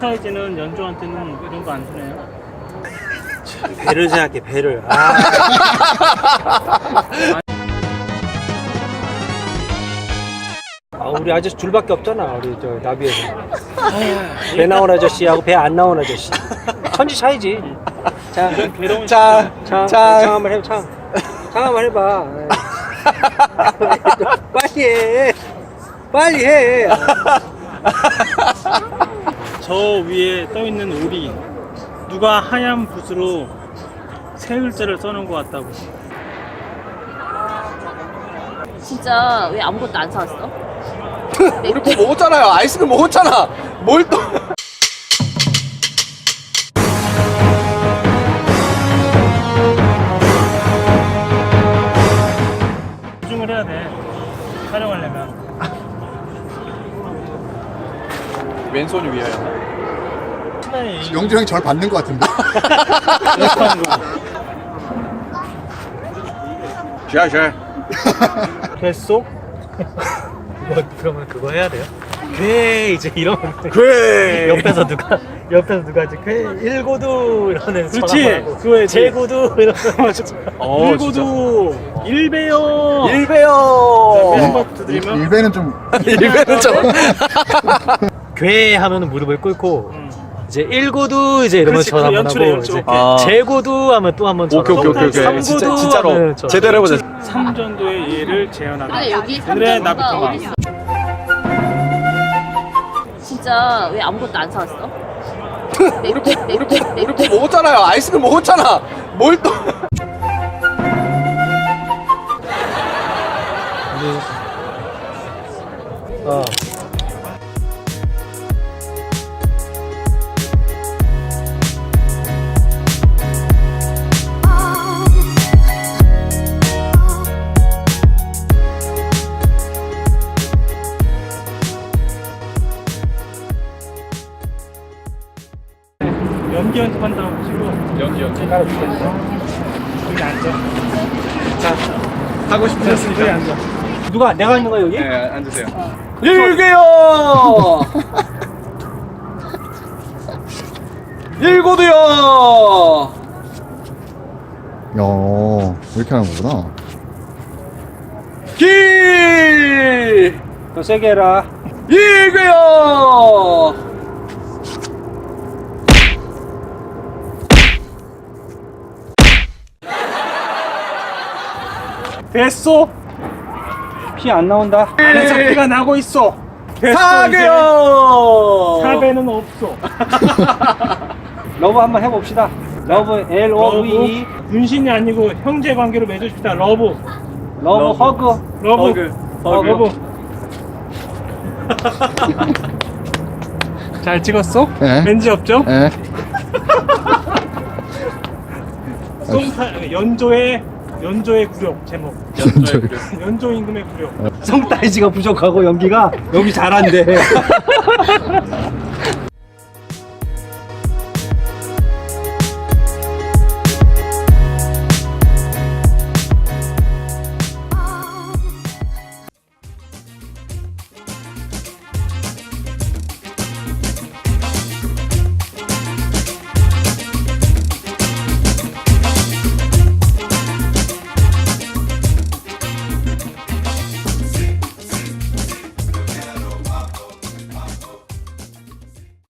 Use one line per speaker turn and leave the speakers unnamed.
송타이즈는 연주한테는 이런 거 안 주네요.
배를 생각해, 배를. 우리 아저씨 줄밖에 없잖아, 우리 저 나비에서. 배 나온 아저씨하고 배 안 나온 아저씨. 천지 차이지. 자,
괴로운
창 한번 해봐, 창 한번 해봐. 빨리 해. 빨리 해.
저 위에 떠 있는 오리 누가 하얀 붓으로 세 글자를 써놓은 것 같다고.
진짜 왜 아무것도 안 사왔어?
우리 뭐 먹었잖아요. 아이스크림 먹었잖아. 뭘 또?
집중을 해야 돼. 촬영하려면.
왼손이 위에요.
영주 형이 저를 받는 것 같은데.
샤샤.
됐어? 그러면 그거 해야 돼요? 괴 이제 이러면
괴.
옆에서 누가 이제 괴 일고두 이러는
그렇지. 그거에
제고두 이러는
일고도 일배요.
일배요.
한번 두드리면
일배는 좀
일배는 좀.
괴 하면은 무릎을 꿇고 이제 일고두 이제 이러면
그렇지,
전 한번
연출해,
하고
연출.
이제
아.
제고두 하면 또 한번 전
오케이 오케이 오케이 오케이.
삼고두
진짜 진짜로
하면 전
제대로 해보자.
삼전도의 예를 재현하다.
근데 여기
오늘의
삼전도가
나비토마.
어딨어? 진짜 왜 아무것도 안 사왔어?
우리 뭐 먹었잖아요. 아이스크림 먹었잖아. 뭘 또?
어.
연기 연습한다고 보시고
연기.
따라 주겠어. 여기 앉아.
하고
여기
싶으셨으니까.
앉아.
누가 내가 있는 거야 여기?
네 앉으세요. 일개요. 일고도요.
야, 이렇게 하는 거구나.
길.
더 세게 해라.
일개요.
됐어.
피 안 나온다.
안에서 피가 나고 있어. 됐어.
사개요.
사배는 없어.
러브 한번 해봅시다. 러브 L-O-V-E
분신이 아니고 형제 관계로 맺어줍시다. 러브.
러브 허그.
러브. 러브. 잘 찍었어?
네.
왠지 없죠?
예.
연조의 굴욕 제목. 연조 임금의 굴욕.
성따이지가 부족하고 연기가 여기 잘한대.